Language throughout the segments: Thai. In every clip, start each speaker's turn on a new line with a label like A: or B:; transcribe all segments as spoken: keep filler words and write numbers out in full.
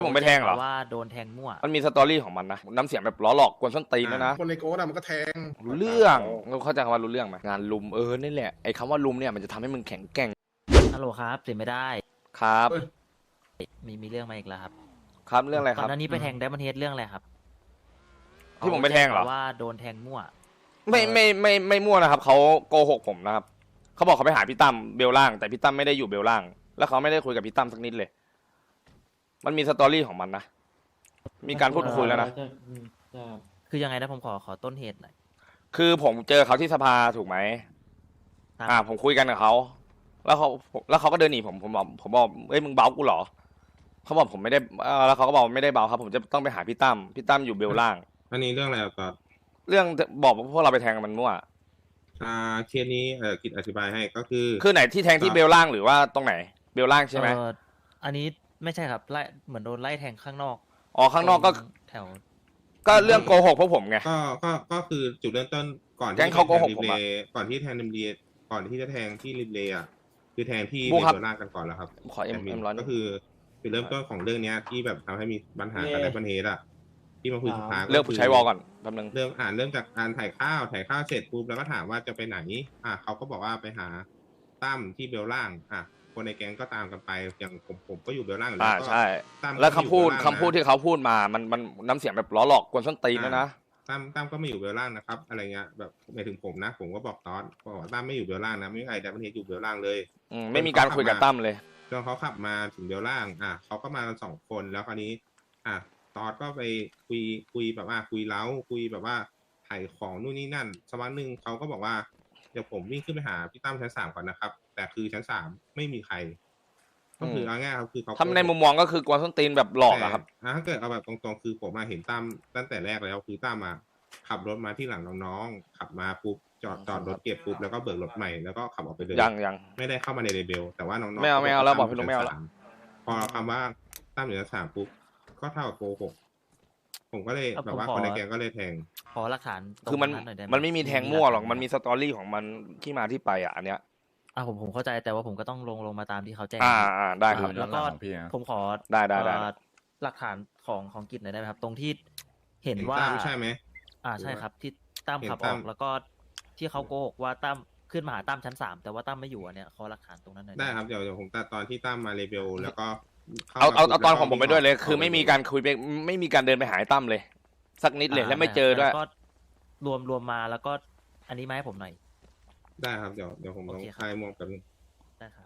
A: ผมไปแทงเหรอ
B: ว่าโดนแทงมั่ว
A: มันมีสตอรี่ของมันนะน้ำเสียงแบบล้อหลอกกวนส้นตีนด้วยนะ
C: คนในโก้ดมันก็แทง
A: รู้เรื่องเราเข้าใจคำว่ารู้เรื่องไหมงานลุมเออนี่แหละไอ้คำว่าลุมเนี่ยมันจะทำให้มึงแข็งแกร่ง
B: ฮัลโหลครับเสียไม่ได้
A: ครับ
B: มีมีเรื่องมาอีกแล้วครับ
A: ครับเรื่องอะไรครับ
B: ก่อนหน้านี้ไปแทงไดมอนด์เฮดเรื่องอะไรครับ
A: ที่ผมไปแทงเหรอ
B: ว่าโดนแทงมั่ว
A: ไม่ไม่ไม่ไม่มั่วนะครับเขาโกหกผมนะครับเขาบอกเขาไปหาพี่ตั้มเบลล่างแต่พี่ตั้มไม่ได้อยู่เบลล่างแล้วเขาไม่ได้คุยกับพี่ตั้มสักนิดเลยมันมีสตอรี่ของมันนะมีการพูดคุยแล้วนะ
B: คือยังไงนะผมขอขอต้นเหตุหน่อย
A: คือผมเจอเขาที่สภาถูกไหมอ่าผมคุยกันกับเขาแล้วเขาแล้วเขาก็เดินหนีผมผมบอกผมบอกเอ้ยมึงเบากูเหรอเขาบอกผมไม่ได้แล้วเขาก็บอกไม่ได้เบาครับผมจะต้องไปหาพี่ตั้มพี่ตั้มอยู่เบลล่าง
D: อันนี้เรื่องอะไรต่อ
A: เรื่องบอกพวกเราไปแทงมันมั่ว
D: อ่าเคสนี้เออกิจอธิบายให้ก็คือ
A: คือไหนที่แทงที่เบลล่างหรือว่าตรงไหนเบลล่างใช่ไหม
B: อันนี้ไม่ใช่ครับไล่เหมือนโดนไล่แทงข้างนอก
A: อ๋อข้างนอกก็
B: แถว
A: ก็เรื่องโกหกพวกผมไง
D: ก็ก็ก็คือจุดเริ่มต้นก่อน
A: ที่เขาโกหกผม
D: ก่อนที่แทงริมเลก่อนที่จะแทงที่ริมเลอ่ะคือแทงที่เบลล่างกันก่อนแล้วครับ
A: ขอเอ็มเอ็มร้อน
D: ก็คือจุดเริ่มต้นของเรื่องนี้ที่แบบทำให้มีปัญหากับไดมอนด์เฮดอ่ะที่มาคุยสุดท้าย
A: เรื่องผู้ใช้วอลก่อนแป๊บนึง
D: เรื่องอ่านเริ่มจากการถ่ายข้าวถ่ายข้าวเสร็จปุ๊บแล้วก็ถามว่าจะไปไหนอ่ะเขาก็บอกว่าไปหาตั้มที่เบลล่างอ่ะคนในแก๊งก็ตามกันไปอย่างผมผมก็อยู่เบลล่าง
A: อ่าใช่แล้วคำพูดคำพูดที่เขาพูดมามันมันน้ำเสียงแบบล้อหลอกกวนส้นตีนนะนะ
D: ตั้มตั้มก็ไม่อยู่เบลล่างนะครับอะไรเงี้ยแบบหมายถึงผมนะผมก็บอกตอนบอกตั้มไม่อยู่เบลล่างนะไม่มีใครไดมอนด์เฮดอยู่เบลล่างเลย
A: อืมไม่มีการคุยกับตั้มเลย
D: จนเขาขับมาถึงเบลล่างอ่ะเขาก็มากันสองคนแล้วคราวนี้อ่ะตอนก็ไปคุยคุยแบบว่าคุยเล้าคุยแบบว่าถ่ายของนู่นนี่นั่นสักวันหนึ่งเขาก็บอกว่าเดี๋ยวผมวิ่งขึ้นไปหาพี่ตั้มชั้นสามก่อนนะครับแต่คือชั้นสามไม่มีใครก็คือเอาง่ายครับคือเขา
A: ทำในมุมมองก็คือกวนส้นตีนแบบหลอกอะครับ
D: ถ้าเกิดเอาแบบตรงๆคือผมมาเห็นตั้มตั้งแต่แรกแล้วคือตั้มมาขับรถมาที่หลังน้องๆขับมาปุ๊บจอดจอดรถเก็บปุ๊บแล้วก็เบิกรถใหม่แล้วก็ขับออกไปเลย
A: ยังยัง
D: ไม่ได้เข้ามาในเรเบลแต่ว่าน้องๆ
A: ไม่เอาไม่เอาแล้วบอกพี่ลุงไม่เอาแล้ว
D: พอคำว่าตั้มอยู่ชั้นสามปุ๊บก็เท่ากับโกหกผมก็เลยแบบว่าคนในแก๊งก็เลยแทง
B: ขอหลักฐาน
A: คือมันมันไม่มีแทงมั่วหรอกมันมีสตอรี่ของมันที่มาที่ไปอ่ะอันเนี้ย
B: อ่าผมผมเข้าใจแต่ว่าผมก็ต้องลงลงมาตามที่เขาแจ้ง
A: อ่าอ่าได้ครับ
B: แล้วก็ผมขอ
A: ได้ได้ได้
B: หลักฐานของของกิจหน่อยได้ไหมครับตรงที่เห็นว่า
D: ใช่ไหม
B: อ่าใช่ครับที่ตั้มขับออกแล้วก็ที่เขาโกหกว่าตั้มขึ้นมาหาตั้มชั้นสามแต่ว่าตั้มไม่อยู่อันเนี้ยขอหลักฐานตรงนั้นหน่อย
D: ได้ครับเดี๋ยวเดี๋ยวผมตัดตอนที่ตั้มมาเรเบลแล้วก็
A: เอาเอาเอาตอนของผมไปด้วยเลยคือไม่มีการคุยไม่มีการเดินไปหาตั้มเลยสักนิดเลยแล้วไม่เจอด้วย
B: ก็รวมรวมมาแล้วก็อันนี้มาให้ผมหน่อย
D: ได้ครับเดี๋ยวเดี๋ยวผมลองคลายมองกัน
B: ได้ครับ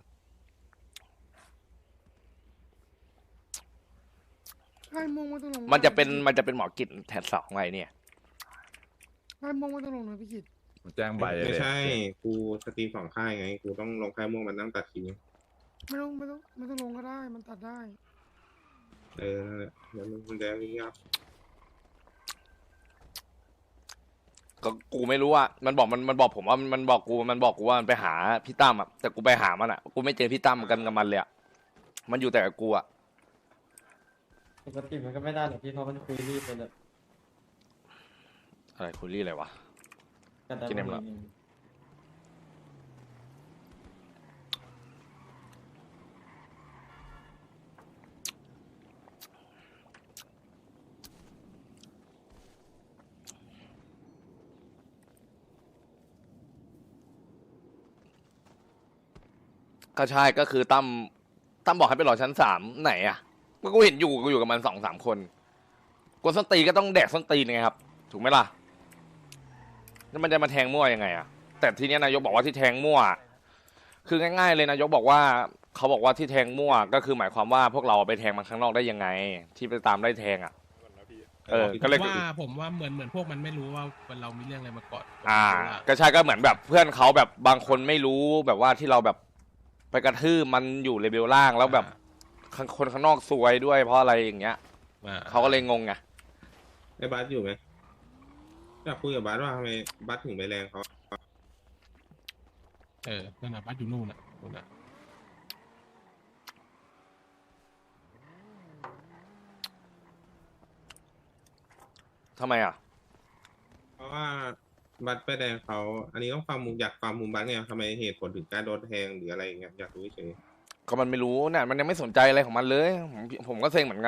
C: คลายมองมาตลง
A: มันจะเป็นมันจะเป็นหมอกิจแทนสองไงเนี่ย
C: คลายมองมาตลงนะพี่กิจ
E: แจ้งใบ
D: ไม่ใช่กูสตรีมสองค่ายไงกูต้องลงคลายมองมันนั่งตัดที
C: ไม่ต้องไม่ต้องไม่ต้องลงก็ได้มันตัดได้
D: เออเดี๋ยวมันแดงยาก
A: ก็กูไม่รู้อ่ะมันบอกมันมันบอกผมว่ามันบอกกูมันบอกกูว่ามันไปหาพี่ตั้มอ่ะแต่กูไปหามันอ่ะกูไม่เจอพี่ตั้มกันกับมันเลยอ่ะมันอยู่แต่กับกูอ่ะ
F: ปกติมันก็ไม่ได้หรอกพี่เพราะมันคุยรีบไปเลย
A: อะไรคุยรีบอะไรวะกินเอ็มละก็ใช่ก็คือตั้มตั้มบอกให้ไปรอชั้นสามไหนอ่ะก็กูเห็นอยู่กูอยู่กับมันสองสามคนกวนส้นตีก็ต้องแดกส้นตีนไงครับถูกไหมล่ะแล้วมันจะมาแทงมั่วยังไงอ่ะแต่ทีนี้นายกบอกว่าที่แทงมั่วคือง่ายๆเลยนายกบอกว่าเขาบอกว่าที่แทงมั่วก็คือหมายความว่าพวกเราไปแทงมันข้างนอกได้ยังไงที่ไปตามได้แทงอ่ะเออก็เลย
G: ว่าผมว่าเหมือนเหมือนพวกมันไม่รู้ว่าเรามีเรื่องอะไรมาก่อน
A: อ่าก็ใช่ก็เหมือนแบบเพื่อนเขาแบบบางคนไม่รู้แบบว่าที่เราแบบไปกระทืบมันอยู่เลเวลล่างแล้วแบบคนข้างนอกซวยด้วยเพราะอะไรอย่างเงี้ยเขาก็เลยงงไง
D: ไอ้บัสอยู่ไหมอยากคุยกับบัสว่าทำไมบัสถึงไปแรงเขา
G: เออนั่นน่ะบัสอยู่นู่นน่ะนู่นน่ะ
A: ทำไมอ่ะ
D: เพราะว่าบัสไปแดงเขาอันนี้ต้องฟังมุมอยากฟังมุมบัสไงทำไมเหตุผลถึงการโดนแทงหรืออะไรอย่างเงี้ยอยากรู้เฉย
A: ก็มันไม่รู้เนี่ยมันยังไม่สนใจอะไรของมันเลยผมผมก็เซ็งเหมือนกันอ่ะ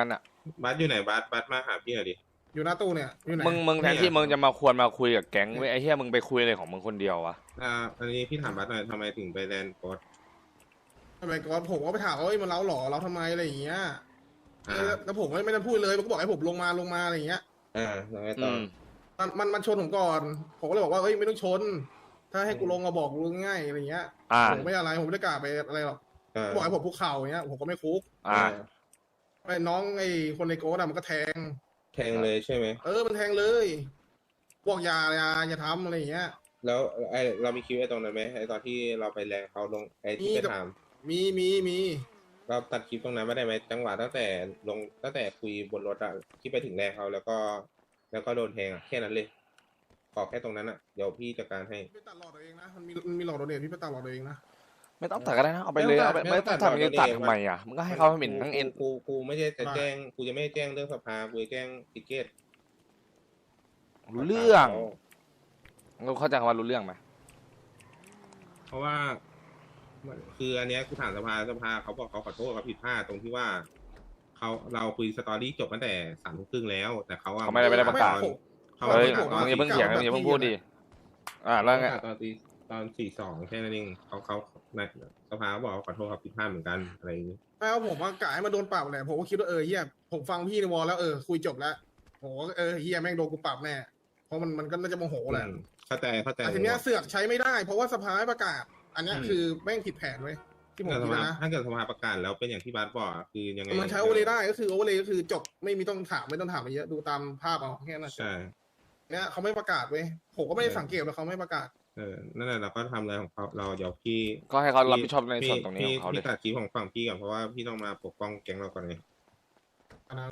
D: บัสอยู่ไหนบัสบัสมาหาพี่หน่อยดิ
C: อยู่หน้าตู้เนี่ยอยู่ไหน
A: มึงมึงแทนที่มึงจะมาควรมาคุยกับแก๊งเว้ยไอ้เหี้ยมึงไปคุยอะไรของมึงคนเดียววะ
D: อ่าอันนี้พี่ถามบัสหน่อยทำไมถึงไปแลนด์โกด
C: ทำไมก่อนผมก็ไปถามว่าเอ้ยมันเล้าหรอเราทำไมอะไรอย่างเงี้ย
D: อ่า
C: แล้วแล้วผมไม่ไม่ได้พูดเลยมันก็บอกให้ผมลงมาลงมาอะไรอย่างเงี้ย
D: อ่าแล้วไง
A: อื
D: ต่อ
A: ม
C: มันมันมันชนผมก่อน ผมก็เลยบอกว่าเอ้ยไม่ต้องชน ถ้าให้กูลงมาบอกกูง่ายอะไรอย่างเงี้ย
A: อ่า
C: ผมไม่อะไรผมไม่ได้กล้าไปอะไรหรอก
D: อ่า
C: บอกให้ผมคุกเข่าอย่างเงี้ยผมก็ไม่คุก
A: อ่า
C: ไอ้น้องไอ้คนในโก้ดอะมันก็แทง
D: แทงเลยใช่ไหม
C: เออมันแทงเลยบอกอย่าอย่าอย่าทำอะไรอย่างเงี้ย
D: แล้วไอเรามีคลิปไอ้ตรงนั้นไหมไอตอนที่เราไปแลนด์เขาลงไอที่
C: มี
D: ไป
C: แต่
D: ถาม
C: มีมีมี
D: เราตัดคลิปตรงนั้นไม่ได้ไหมจังหวะตั้งแต่ลงตั้งแต่คุยบนรถอะที่ไปถึงแลนด์เขาแล้วก็ แล้วก็โดนแทงอะแค่นั้นเลยขอแค่ตรงนั้นอะเดี๋ยวพี่จัดการให้
C: พี่ไปตัดหลอดตัวเองนะมันมีมันมีหลอดโดเนทพี่ไปตัดหลอดตัวเองนะ
A: ไม่ต้องตัดก็ได้นะเอาไปเลยเอาไปไม่ต้องตัดมึงจะตัดทำไมอ่ะมึงก็ให้เขาเห็นทั้งเอ็น
D: กูกูไม่ใช่จะแจ้งกูจะไม่แจ้งเรื่องสภากูจะแจ้งติเกต
A: รู้เรื่องเราเข้าใจคำว่ารู้เรื่องไหม
D: เพราะว่าคืออันเนี้ยกูถามสภาสภาเขาบอกเขาขอโทษเขาผิดพลาดตรงที่ว่าเขาเราคุยสตอรี่จบตั้งแต่สามทุ่มครึ่งแล้ว แต่เขาอะ
A: เขาไม่ได้ไม่ได้ประกาศ
D: เขา
A: เฮ้ย
D: ประกาศต
A: มึ
D: อน
A: งอย่าเพิ่งเถียงมึงอย่าเพิ่งพูดดิอ่า
D: เขา
A: แล้ว
D: ประ
A: ไง
D: กาศตอนตีตอนสี่สองแค่นั้นเองเขาเขาในสภาเขาบอกเขาขอโทษเขาผิดพลาดเหมือนกันอะไรอย่างนี้
C: แม้ว่าผมว่ากายมาโดนปรับแหละผมก็คิดว่าเออเฮียผมฟังพี่ในวอลแล้วเออคุยจบแล้วผมก็เออเฮียแม่งโดนกูปรับแน่เพราะมันมันก็น่าจะโมโหแหละ
D: อืมเข้าใจเข้าใจ
C: แต่ทีเนี้ยเสือกใช้ไม่ได้ เพราะว่าสภาไม่ประกาศ อันเนี้ยคือแม่งผิดแผนเว้ยที่ผม
D: แต่ส
C: คิด
D: ภา
C: นะ
D: ถ้าเกิดสภาประกาศแล้วเป็นอย่างที่บาสบอกอะคือยังไง
C: มันใช้โอเวอร์เลยได้ก็คือโอเวอร์เลยก็คือจบไม่มีต้องถามไม่ต้องถามอะไรเยอะดูตามภาพเอาแค่นั้น
D: ใช่
C: เนี้ยเขาไม่ประกาศเว้ยผมก็ไม่ได้สังเกตว่าเขาไม่ประกาศ
D: เออนั่นแหละเราก็ทำอะไรของเขาเราเดี๋ยวพี่
A: ก็ให้เขารับผิดชอบในส่วนตรงนี้
D: พี่
A: ของเขาเล
D: พี่
A: ย
D: ตัดคลิปของฝั่งพี่ก่อนเพราะว่าพี่ต้องมาปกป้องแก๊งเราก่อนไง
C: อันนั้น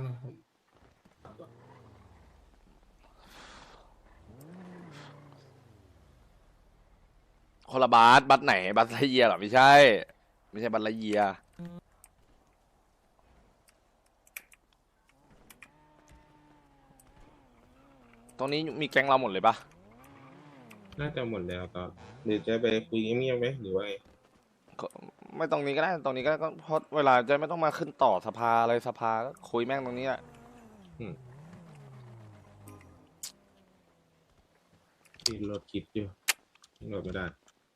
A: คนละบาสบัสไหนบัสไลเยียเหรอไม่ใช่ ไม่ใช่บัสไลเยียตรงนี้มีแก๊งเราหมดเลยปะ
D: น่าจะหมดแล้วตอนหรือจะไปคุยเงียบๆไหมหรือว่าไง
A: ก็ไม่ตรงนี้ก็ได้ตรงนี้ก็ได้ก็เพราะเวลาจะไม่ต้องมาขึ้นต่อสภาอะไรสภาก็คุยแม่งตรงนี้แหละ
D: ที่รถคิดอยู่รถไม่ได้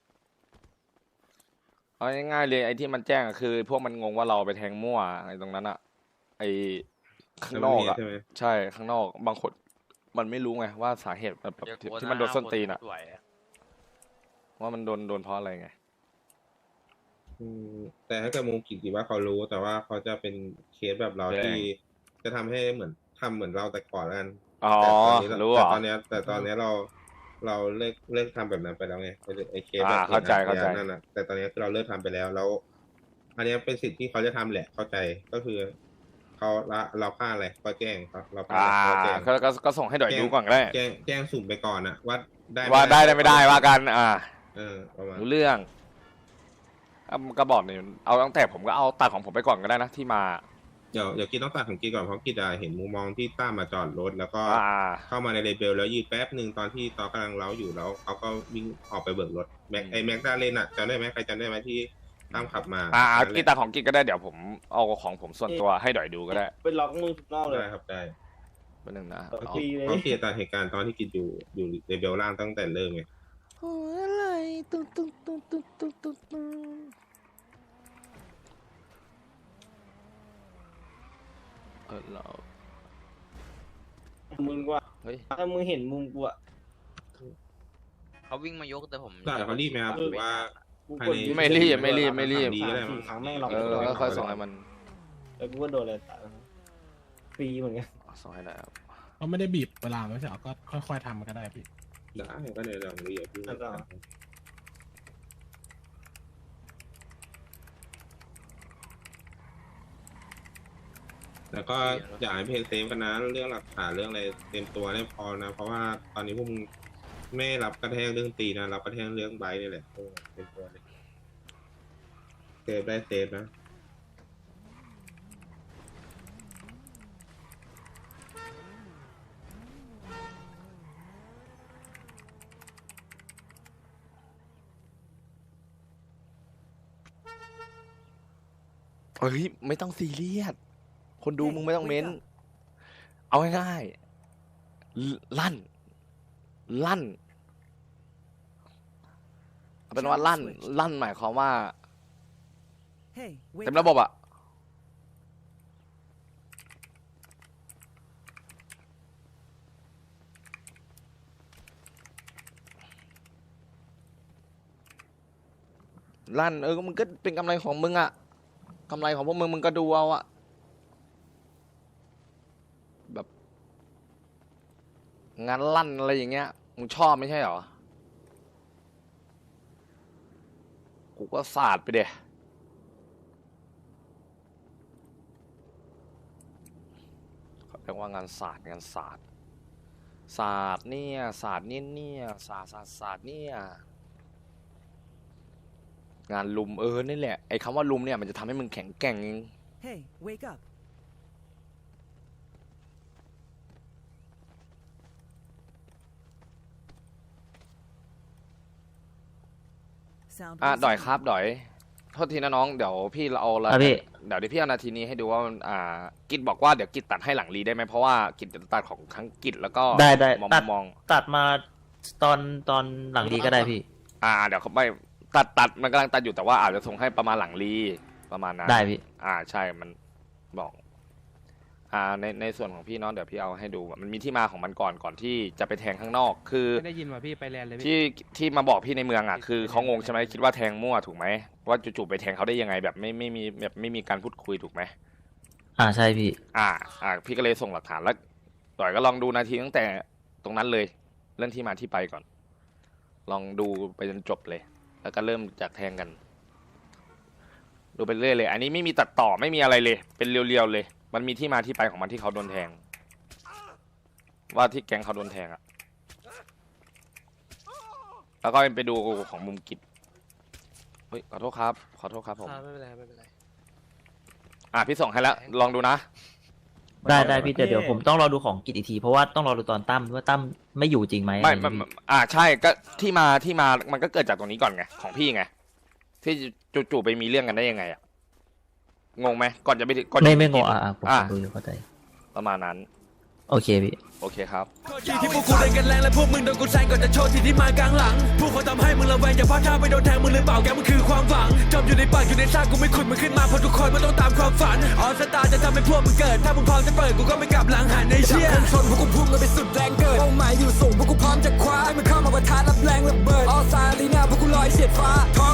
A: เอาง่ายๆเลยไอ้ที่มันแจ้งอะคือ พวกมันงงว่าเราไปแทงมั่วไอ้ตรงนั้นอะไอ้ข้างนอกอะ
D: ใช่ไหม
A: ใช่ข้างนอกบางคนมันไม่รู้ไงว่าสาเหตุแบบแบบที่ที่มันโดนส้นตีนอะว่ามันโดนโดนเพราะอะไรไง
D: อืมแต่ถ้าเกิดมุมกิจดีว่าเขารู้ แต่ว่าเขาจะเป็นเคสแบบเรา
A: แรง
D: ที่จะทำให้เหมือนทำเหมือนเราแต่ก่อนแล้วกัน
A: อ๋อ
D: แต่ตอนนี้
A: รู้เหร
D: แต่
A: อ
D: ตอนเนี้ย แต่ตอนเนี้ยเราเราเลิกเลิกทำแบบนั้นไปแล้วไงไอ้เคสแบบ
A: อ่าเข้าใจ
D: นี้ย
A: เข้าใจ
D: นั่นนะแต่ตอนเนี้ยคือเราเลิกทำไปแล้วแล้ว อันเนี้ยเป็นสิ่งที่เขาจะทำแหละเข้าใจก็คือเขาละเราพลาดอะไรก็แจ้งครับเราพลาด
A: อ่า
D: อะไรก็แจ้ง
A: ก็ก็ก็ส่งให้ดอยดูก่อนก็ได้
D: แจ้งแจ้งสุ่มไปก่อนอะว่าได้
A: ว่าได้ได้ไม่ได้ว่ากัน อ่า
D: เออประมาณ
A: รู้เรื่องอ่ะก็บอกเนี่ยเอาตั้งแต่ผมก็เอาตัดของผมไปก่อนก็ได้นะที่มา
D: เดี๋ยวเดี๋ยวกินต้องตัดของกินก่อนเพราะกินอะเห็นมุมมองที่ตั้มมาจอดรถแล้วก็
A: อ่า
D: เข้ามาในเลเบลแล้วยืนแป๊บหนึ่งตอนที่ตอนกำลังเล้าอยู่แล้วเขาก็วิ่งออกไปเบิกรถแม็กไอแม็กดาเลนอะจำได้ไหมใครจำได้ไหมที่ตั้มขับมา
A: อ่า
D: นั่นแหละ
A: กีตาร์ของกินก็ได้เดี๋ยวผมเอาของผมส่วนตัวให้ดอยดูก็ได้
F: เป็นล็อกมือนอกเลย
D: ได้ครับได้
A: เป็นหนึ่งนะ
F: เออ
A: เอา
F: ฟรีเลย
D: เขาเคลียร์ตามเหตุการณ์ตอนที่กินอยู่อยู่เลเบลล่างตั้งแต่เริ่มไง
A: โอ้ยอะไรตุ๊ตุ๊ตุ๊ตุ๊ตุ๊ตุ๊ตุ๊เออเรา
F: มึงว่า
A: เฮ้ย
F: ถ้ามึงเห็นมุมกูอะ
E: เขาวิ่งมายกแต่ผม
D: ได้เขารีบไหมครับหรือว่า
F: กู
D: ภาย
F: กด
D: ใน
F: ยึด
A: ไม่รีบไม่รีบไม่รีบ
D: ดีก็ได้มั้ง
F: สี่ครั้งแม่งล็อก
A: เออก็ค่อยส่งให้มัน
F: แล้วกูก็โดนเลยตายฟรีเหมือนกัน
A: ส่งให้ได้ครับ
G: เขาไม่ได้บีบเวลาไม่ใช่เหรอก็ค่อยๆทำมันก็ได้พี่
D: ได้ก็เลยลองดูอย่าเพิ่ง
F: แล้วก็
D: แล้วก็อยากให้เพลงเซฟกันนะเรื่องหลักฐานเรื่องอะไรเต็มตัวได้พอนะ เพราะว่าตอนนี้พวกมึงไม่รับกระแทกเรื่องตีนะรับกระแทกเรื่องไบค์นี่แหละโอ้เต็มตัวเลยเซฟได้เซฟนะ
A: เฮ้ยไม่ต้องซีเรียสคนดูมึงไม่ต้องเม้นเอาง่ายๆลั่น ลั่นเอาเป็นว่าลั่น ลั่นหมายความว่า
H: Hey, wake
A: เต็ม
H: up.
A: ระบบอะลั่นเออมึงก็เป็นกำไรของมึงอะกำไรของพวกมึงมึงก็ดูเอาอะแบบงานลั่นอะไรอย่างเงี้ยมึงชอบไม่ใช่เหรอกูก็สาดไปเดะเขาเรียกว่างานศาสตร์งานศาสตร์ศาสตร์เนี่ยศาสตร์เนี่ยเนี่ยศาสตร์ศาสตร์ศาสตร์เนี่ยงานลุมเออนี่แหละไอ้คำว่าลุมเนี่ยมันจะทำให้มึงแข็งแกร่งเอง
H: Hey, wake up. Sound
A: อ่ะ
H: resumed.
A: ดอยครับดอยโทษทีนะน้องเดี๋ยวพี่เราเอาละ
B: ครับพี่
A: เดี๋ยวเดี๋ยวพี่เอานาทีนี้ให้ดูว่ามันอ่ากิจบอกว่าเดี๋ยวกิจตัดให้หลังรีได้ไหมเพราะว่ากิจจะตัดของทั้งกิจแล้วก็
B: ได้ได้
A: มอง
B: ตัด
A: มอง
B: ตัดมาตอนตอนหลังดีก็ได้พี่
A: อ่าเดี๋ยวเขาไม่ตัดตัดมันกำลังตัดอยู่แต่ว่าอาจจะส่งให้ประมาณหลังรีประมาณนั้น
B: ได้พี่
A: อ่าใช่มันบอกอ่าในในส่วนของพี่เน้องเดี๋ยวพี่เอาให้ดูมันมีที่มาของมันก่อนก่อนที่จะไปแทงข้างนอก คือ
G: ไม่ได้ยินว่าพี่ไปแลนด์เลยพี่
A: ที่ที่มาบอกพี่ในเมืองอ่ะคือเขางงใช่ไหมคิดว่าแทงมั่วถูกไหมว่าจู่ๆไปแทงเขาได้ยังไงแบบไม่ไม่มีแบบไม่มีการพูดคุยถูกไหม
B: อ่าใช่พี่
A: อ่า อ่า พี่ก็เลยส่งหลักฐานแล้วต่อยก็ลองดูนาทีตั้งแต่ตรงนั้นเลย เรื่องที่มาที่ไปก่อน ลองดูไปจนจบเลย แล้วก็เริ่มจากแทงกัน ดูไปเรื่อยเลย อันนี้ไม่มีตัดต่อไม่มีอะไรเลย เป็นเรียวๆเลย มันมีที่มาที่ไปของมันที่เขาโดนแทง ว่าที่แก๊งเขาโดนแทงอะแล้วก็ไปดูของมุมกิจเฮ้ยขอโทษครับ ขอโทษครับผม
E: ไม่เป็นไรไม่เป็นไร
A: อ่ะพี่ส่งให้แล้ว ลองดูนะ
B: ได้ได้พี่แต่เดี๋ยวผมต้องรอดูของกิจอีกทีเพราะว่าต้องรอดูตอนตั้มว่าตั้มไม่อยู่จริงไหม
A: ไม่
B: อะไร
A: ไม่
B: อย่าง
A: ไม่
B: งี้
A: อ่าใช่ก็ที่มาที่มามันก็เกิดจากตรงนี้ก่อนไงของพี่ไงที่จู่ๆไปมีเรื่องกันได้ยังไงอะงงไหมก่อนจะไปถึงก่อน
B: ไม่
A: จะ
B: ไม่
A: ป
B: ง
A: กิ
B: ง
A: น
B: อ่ะอ่ะผม
A: อ่า
B: ดูอยู่เข้าใจ
A: ประมาณนั้น
B: โอเคพี่
A: โอเคครับ
I: ที่พวกกูเล่นกันแรงและพวกมึงโดนกูแซงก่อนจะโชว์ที่ที่มากลางหลังพวกเขาทำให้มึงระแวงอย่าพลาดท่าไปโดนแทงมึงหรือเปล่าแกมึงคือความหวังจมอยู่ในปากอยู่ในซากกูไม่ขุดมึงขึ้นมาเพราะทุกคนมันต้องตามความฝันออสตาจะทำให้พวกมึงเกิดถ้ามึงพร้อมจะเปิดกูก็ไม่กลับหลังหันในเชี่ยชนพวกกูพุ่งกันไปสุดแรงเกิดเป้าหมายอยู่สูงพวกกูพร้อมจะคว้าให้มึงเข้ามาประทะรับแรงระเบิดออสตาลีน่าพวกกูลอยเฉียดฟ้า